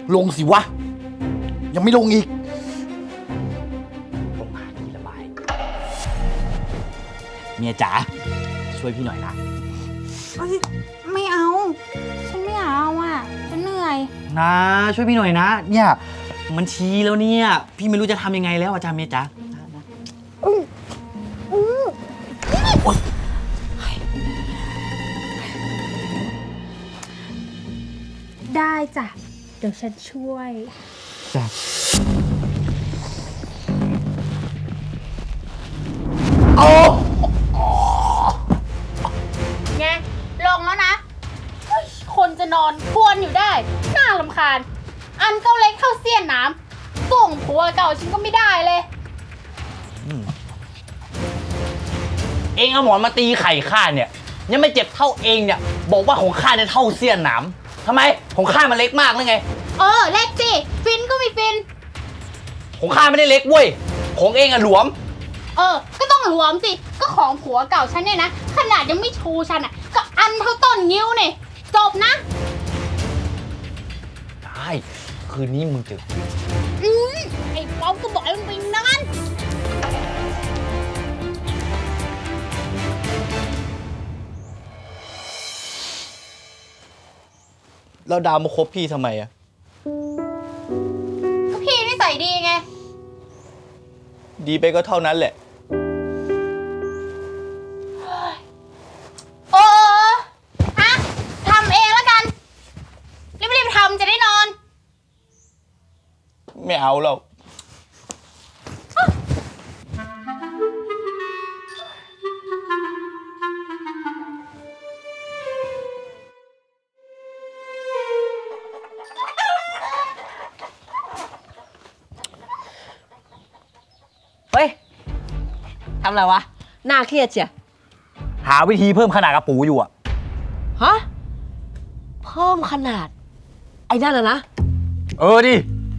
ลงสิวะยังไม่ลงอีกลงมาทีละใบเมียจ๋าช่วยพี่หน่อยนะไม่เอาฉันไม่อยากเอาอ่ะฉันเหนื่อยนะช่วยพี่หน่อยนะเนี่ยมันชี้แล้วเนี่ยพี่ไม่รู้จะทำยังไงแล้วอาจารย์เมียจ๋าได้จ้ะเดี๋ยวฉันช่วยจ้ะโอ้ไงลงแล้วนะคนจะนอนควรอยู่ได้น่ารำคาญอันเก้าเล็กเท่าเสี้ยนน้ำส่งผัวเก่าฉันก็ไม่ได้เลยเองเอาหมอนมาตีไข่ข้าเนี่ยยังไม่เจ็บเท่าเองเนี่ยบอกว่าของข้าเนี่ยเท่าเสี้ยนหนามทำไมของข้ามันเล็กมากหรือไงเล็กสิฟินก็ไม่ฟินของข้าไม่ได้เล็กเว้ยของเองอะหลวมก็ต้องหลวมสิก็ของผัวเก่าฉันเนี่ยนะขนาดยังไม่ชูฉันอ่ะก็อันเท่าต้นนิ้วเนี่ยจบนะได้คืนนี้มึงเจอไอ้ป๊อปก็บอกให้มึงไปนอนแล้วดาวมาคบพี่ทำไมอะก็พี่นิสัยดีไงดีไปก็เท่านั้นแหละทำเองแล้วกันรีบๆทำจะได้นอนไม่เอาแล้วเฮ้ยทำอะไรวะน่าเครียดเชียหาวิธีเพิ่มขนาดกระปูอยู่อะฮะเพิ่มขนาดไอ้นั่นนะดิ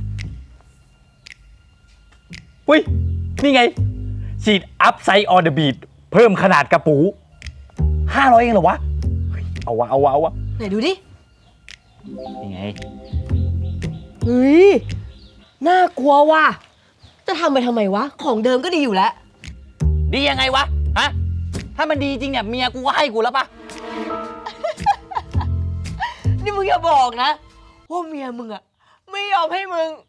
อุ้ยนี่ไงฉีดอัพไซด์ออนเดอะบีทเพิ่มขนาดกระปู500เองเหรอวะเอาวะไหนดูดินี่ไงเฮ้ยน่ากลัวว่ะจะทำไปทำไมวะของเดิมก็ดีอยู่แล้วดียังไงวะฮะถ้ามันดีจริงเนี่ยเมียกูก็ให้กูแล้วปะนี่มึงอย่าบอกนะว่าเมียมึงอะไม่ยอมให้มึง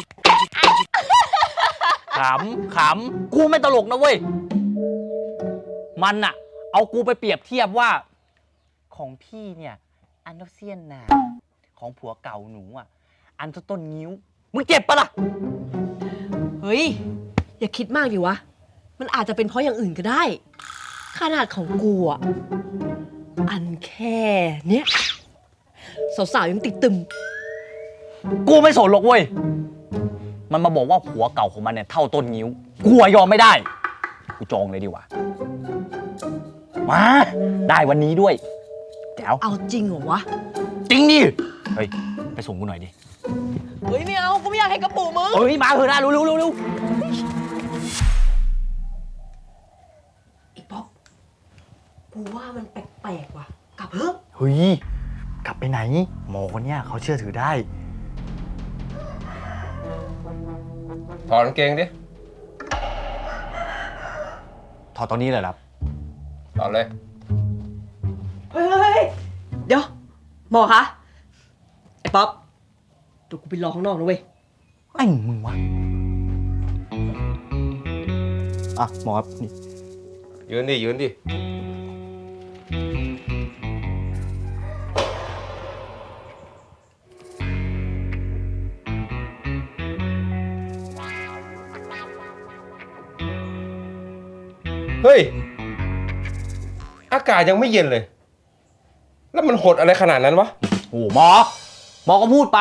ขำกูไม่ตลกนะเว้ยมันอะเอากูไปเปรียบเทียบว่าของพี่เนี่ยอันเท่าเสี้ยนหนามของผัวเก่าหนูอะอันเท่าต้นงิ้วมึงเจ็บปะล่ะเฮ้ยอย่าคิดมากดิวะมันอาจจะเป็นเพราะอย่างอื่นก็ได้ขนาดของกูอะอันแค่เนี้ยสาวๆยังติดตึมกูไม่สนหรอกเว้ยมันมาบอกว่าผัวเก่าของมันเนี่ยเท่าต้นงิ้วกูยอมไม่ได้กูจองเลยดีกว่ามาได้วันนี้ด้วยแจ๋วเอาจริงเหรอวะจริงดิเฮ้ยไปส่งกูหน่อยดิเฮ้ยไม่เอากูไม่อยากให้กระปูมึงเฮ้ยมาเถอะนะเร็วไอ้ป๊อปกูว่ามันแปลกๆว่ะกลับเถอะเฮ้ยกลับไปไหนหมอคนเนี้ยเขาเชื่อถือได้ถอดกางเกงดิถอดตอนนี้เลยครับถอดเลยเฮ้ยเดี๋ยวหมอคะไอ้ป๊อปเดี๋ยวกูไปรอข้างนอกนะเว้ยไอ้มึงวะอ่ะหมอครับนี่ยืนดิเฮ้ยอากาศยังไม่เย็นเลยแล้วมันหดอะไรขนาดนั้นวะโอ้หมอก็พูดไป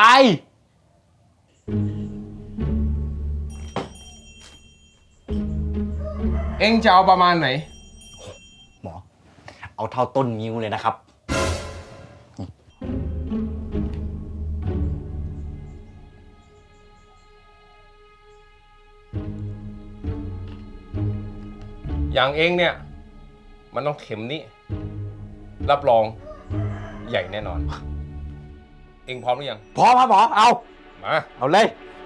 เอ็งจะเอาประมาณไหนหมอเอาเท่าต้นนิ้วเลยนะครับอย่างเอ็งเนี่ยมันต้องเข็มนี้รับรองใหญ่แน่นอนเอ็งพร้อมหรือยังพร้อมครับหมอเอามาเอาเลย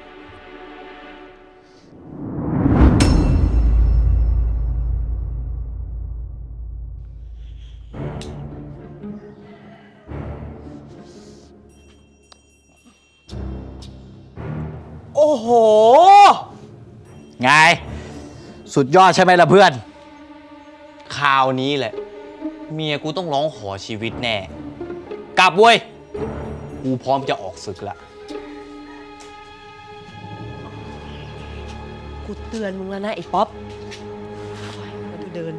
โอ้โห ไง สุดยอดใช่ไหมล่ะเพื่อน คราวนี้แหละ เมียกูต้องร้องขอชีวิตแน่ กลับเว้ย กูพร้อมจะออกศึกละกูเตือนมึงแล้วนะไอ้ป๊อปมาดูเดิน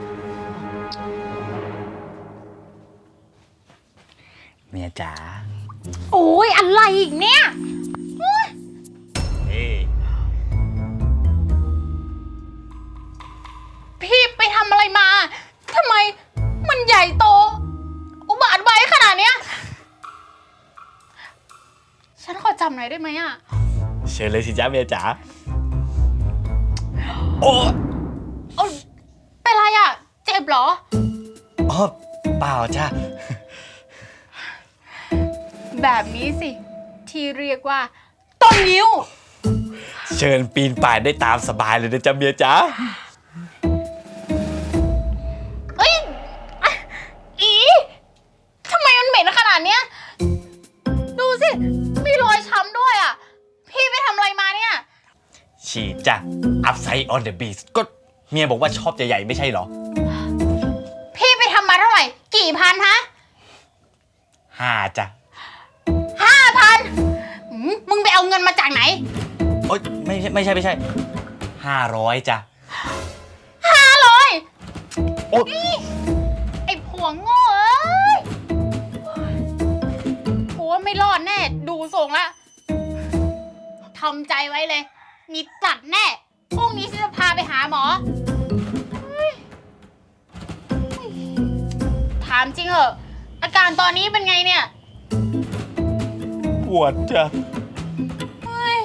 เมียจ๋าโอ้ยอะไรอีกเนี่ยนี่พี่ไปทำอะไรมา ทำไมมันใหญ่โต อุบาทไว้ขนาดเนี้ย ฉันขอจำหน่อยได้ไหมอ่ะเชิญเลยสิจ้าเมียจ๋า โอ้เอาเป็นไรอ่ะ เจ็บเหรออ๋อเปล่าจ้าแบบนี้สิ ที่เรียกว่า ต้นนิ้วเชิญปีนป่ายได้ตามสบายเลยนะจ้าเมียจ๋าเอ้ยอ่ะอีทำไมมันเหม็นขนาดเนี้ย ดูสิ มีรอยช้ำด้วยอ่ะ พี่ไปทำอะไรมาเนี่ยฉีดจ้ะ upside on the beast ก็เมียบอกว่าชอบใหญ่ๆไม่ใช่เหรอพี่ไปทำมาเท่าไหร่ กี่พันฮะ 5จ้ะ 5,000มึงไปเอาเงินมาจากไหนโอ๊ยไม่ใช่500จ้ะ 500 โอ๊ยไอ้ผัวโง่เอ้ยผัวไม่รอดแน่ ดูทรงละทำใจไว้เลย มีจัดแน่ พรุ่งนี้ฉันจะพาไปหาหมอเฮ้ยถามจริงเหอะ อาการตอนนี้เป็นไงเนี่ยปวดจ้ะเฮ้ย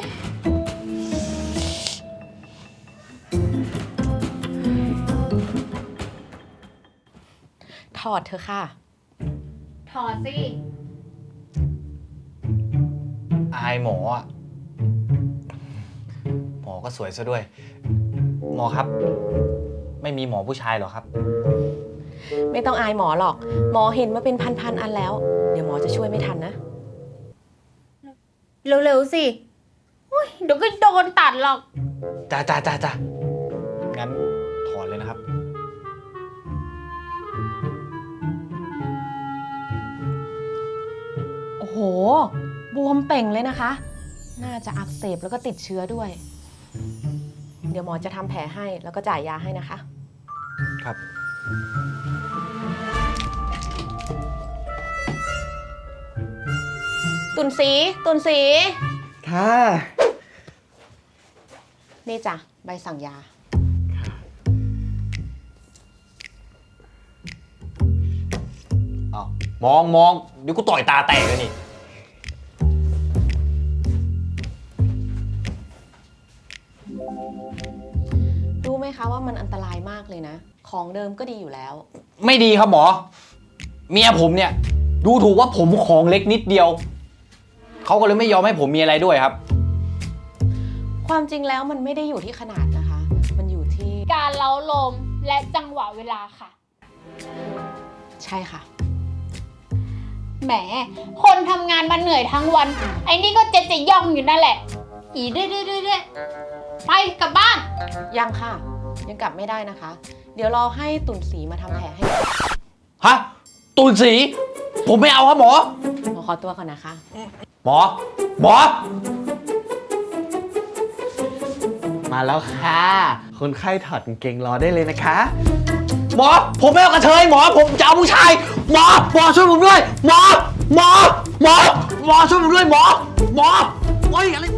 ถอดเธอะค่ะถอดสิอายหมออ่ะ หมอก็สวยซะด้วย หมอครับ ไม่มีหมอผู้ชายเหรอครับไม่ต้องอายหมอหรอก หมอเห็นมาเป็นพันๆอันแล้ว เดี๋ยวหมอจะช่วยไม่ทันนะเร็วๆสิอุ๊ยเดี๋ยวก็โดนตัดหรอกจ้างั้นถอนเลยนะครับโอ้โห บวมเป่งเลยนะคะ น่าจะอักเสบแล้วก็ติดเชื้อด้วย เดี๋ยวหมอจะทำแผลให้แล้วก็จ่ายยาให้นะคะครับตุนสีค่ะนี่จ้ะใบสั่งยาอ้าวมองเดี๋ยวกูต่อยตาแตกเลยนี่รู้ไหมคะว่ามันอันตรายมากเลยนะ ของเดิมก็ดีอยู่แล้วไม่ดีครับหมอ เมียผมเนี่ย ดูถูกว่าผมของเล็กนิดเดียว เขาก็เลยไม่ยอมให้ผมมีอะไรด้วยครับความจริงแล้วมันไม่ได้อยู่ที่ขนาดนะคะ มันอยู่ที่การเล้าลมและจังหวะเวลาค่ะใช่ค่ะแหม คนทำงานมาเหนื่อยทั้งวัน ไอ้นี่ก็จะย่องอยู่นั่นแหละ อีเรื่อยไปกลับบ้านยังค่ะ ยังกลับไม่ได้นะคะ เดี๋ยวรอให้ตุนสีมาทำแผลให้ฮะ ตูนสี ผมไม่เอาครับหมอหมอขอตัวก่อนนะคะหมอ มาแล้วค่ะ คนไข้ถอดกางเกงรอได้เลยนะคะ หมอ ผมไม่เอากระเทยหมอ ผมจะเอาผู้ชาย หมอช่วยผมด้วย หมอช่วยผมด้วยหมอโอ้ยอะไร